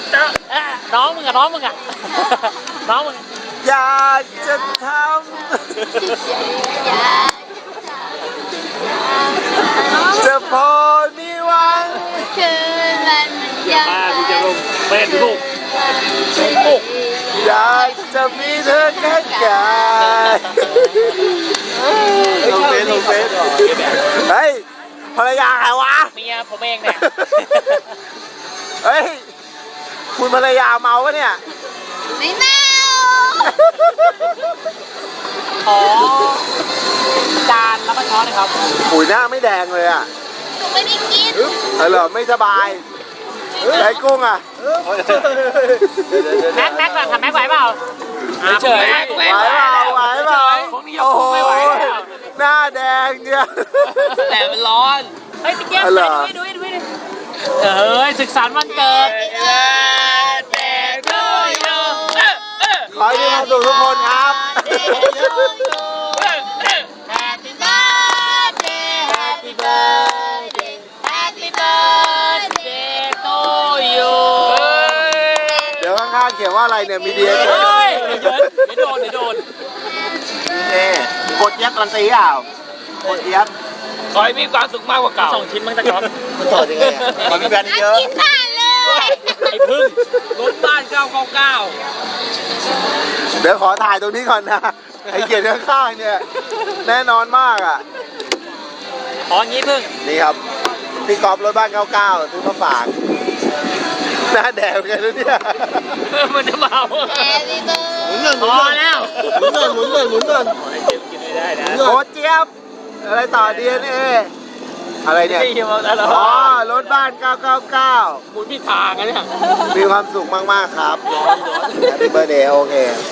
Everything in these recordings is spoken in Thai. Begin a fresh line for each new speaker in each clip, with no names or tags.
น้องมึงอะน้องมึงอะน้องมึง
อยากจะทำจะพอมีหวัง
คืนมันยัง
กูจะลงเป็นลูกลูก
อยากจะมีเธอแค่กายลงเฟซเฮ้ยภรรยาใครวะ
เมียผมเองเนี่ย
เฮ้ยคุณภรรยาเมาปะเนี่ย
ไม่เมา
ขอจานแล้วก็ช้อนนะครับ
ปุ๋ยหน้าไม่แดงเลยอ่ะ
หนูไม่ได้กิน
เหรอไม่สบายไอ้กุ้งอ่ะ
แม็กก่อนทำแม็กไหวเปล่าเฉย
ไหวเปล่าไหวเปล่า
พวกนี้ยังคงไม่ไหวแล้ว
หน้าแดงเนี่ย
แต่มันร้อนเฮ้ยตะเกียบ
เหรอ
ดูเฮ้ยศึกษาวันเกิด
ขอให้มีความสุขทุกคนครับ
Happy birthday Happy birthday Happy birthday
to you
เดี๋ยวข้างๆเขียนว่าอะไรเนี่ยมีเดีย
เฮ้ยเดี๋ยวโดน
นี่กดยับการันตีเปล่า กดยับ
ขอให้มีความสุขมากกว่าเก่า2 ชิ้นมั้งตะก๊อฟ
มันต่อยังไงอ่ะขอมีแบรนด์เยอะ
กินผ่านเลย
ไอ้พึ่งรถบ้าน999
เดี๋ยวขอถ่ายตรงนี้ก่อนนะไอ้เขียนข้างๆเนี่ยแน่นอนมากอ่ะ
ของี้พึ่ง
นี่ครับพี่กอล์ฟรถบ้าน 99ซื้อมาฝากหน้าแดงกันแล้วเนี่ย
มันจะเมา
Happy
หมุน
birthday
เงิน
พอแล้ว
หมุนเงินหมุนเงินหมุนเงิน
กินไม่ได้นะ
โคตรเจี๊ยบอะไรต่อ DNA อะไรเนี่ย
ที่มาแล้ว
อ๋อรถบ้าน 999
หมุนผิดทางอะเนี่ย
มีความสุขมากๆครับแฮปปี้เบอร์เดย์โอเค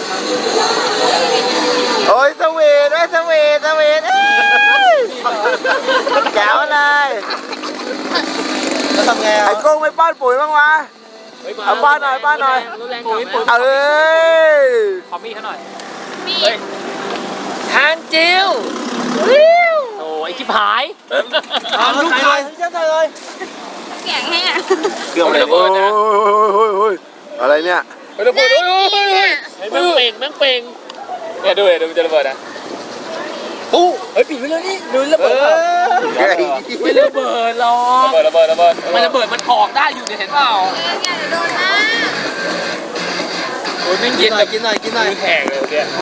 โอ้ยสวีทด้วยสวีทเอ้ยแก้วเลยแล้วทำไงไอ้กุ้งไม่ป้อนปุ๋ยบ้างวะ เอาป้อนหน่อยป้อนหน่อย
ปุ๋ย
เอ้ย
ขอมีดเขาหน่อย
มี
ทานจิวโอ้ยชิบหายลูกชาย
เสียงแห้ง
เกี่ยวอะไรโอ้ยอะไรเนี่ย
ระเบิดแม่งเป่งเนี่ยดูมันจะระเบิดอ่ะปุ๊เฮ้ยปิดไว้เลยนี่ดูระเบิดไม่ระเบิดหรอกระเบิดมันระเบิดมันถอกได้อยู่เนี่ยเห็นเปล่า
อย่าโดนนะ
โอ้ยไม่กินหน่อยแข็งเลยเนี่ย